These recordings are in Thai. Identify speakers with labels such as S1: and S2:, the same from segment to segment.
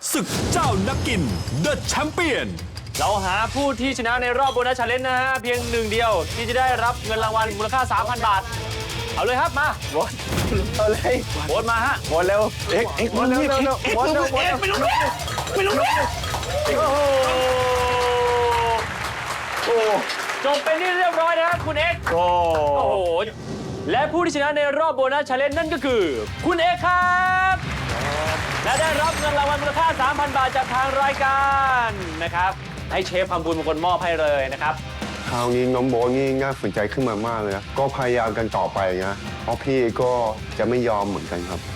S1: ศึกเจ้านักกิน The Champion
S2: เราหาผู้ที่ชนะในรอบโบนัสชาเลนจ์นะฮะเพียงหนึ่งเดียวที่จะได้รับเงินรางวัลมูลค่า 3,000 บาท เอาเลยครับมาโหวต
S3: เอาเลย
S2: โหวตมาฮะ
S3: หมดเร็วเอ็กหมดเร็วหมดเร็วไม่รู้
S2: โอ้โห
S3: โอ้
S2: จบเป็นที่เรียบร้อยนะครับคุณเอ็กซ์
S3: โห
S2: โอ้โหและผู้ที่ชนะในรอบโบนัสชาเลนจ์นั่นก็คือคุณเอ็กซ์ครับและได้รับเงินรางวัลมูลค่า 3,000 บาทจากทางรายการนะครับให้เชฟทำบุญเป็นคนมอบให้เลยนะครับ
S4: คราวนี้น้องโบ๊ทนี่น่าสนใจขึ้นมามากเลยนะก็พยายามกันต่อไปนะเพราะพี่ก็จะไม่ยอมเหมือนกันครับ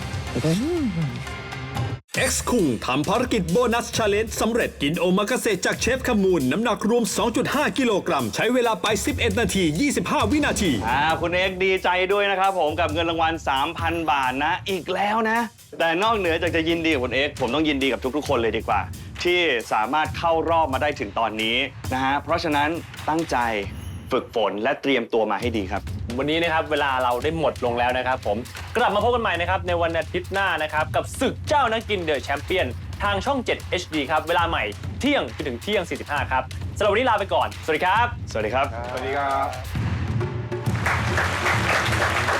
S1: X คุงทำภารกิจโบนัสชาเลนจ์สำเร็จกินโอมากาเสะจากเชฟขมูลน้ำหนักรวม 2.5 กิโลกรัมใช้เวลาไป 11 นาที 25 วินาที
S3: คุณเอ็กดีใจด้วยนะครับผมกับเงินรางวัล 3,000 บาทนะอีกแล้วนะ แต่นอกเหนือจากจะยินดีกับคุณเอ็กผมต้องยินดีกับทุกๆคนเลยดีกว่า ที่สามารถเข้ารอบมาได้ถึงตอนนี้นะฮะเพราะฉะนั้นตั้งใจฝึกฝนและเตรียมตัวมาให้ดีครับ
S2: วันนี้นะครับเวลาเราได้หมดลงแล้วนะครับผมกลับมาพบกันใหม่นะครับในวันอาทิตย์หน้านะครับกับศึกเจ้านักกินเดอะแชมเปี้ยนทางช่อง 7 HD ครับเวลาใหม่เที่ยงจนถึงเที่ยง 45 ครับสำหรับวันนี้ลาไปก่อน สวัสดีครับ
S3: สวัสดีครับ
S4: สวัสดีครับ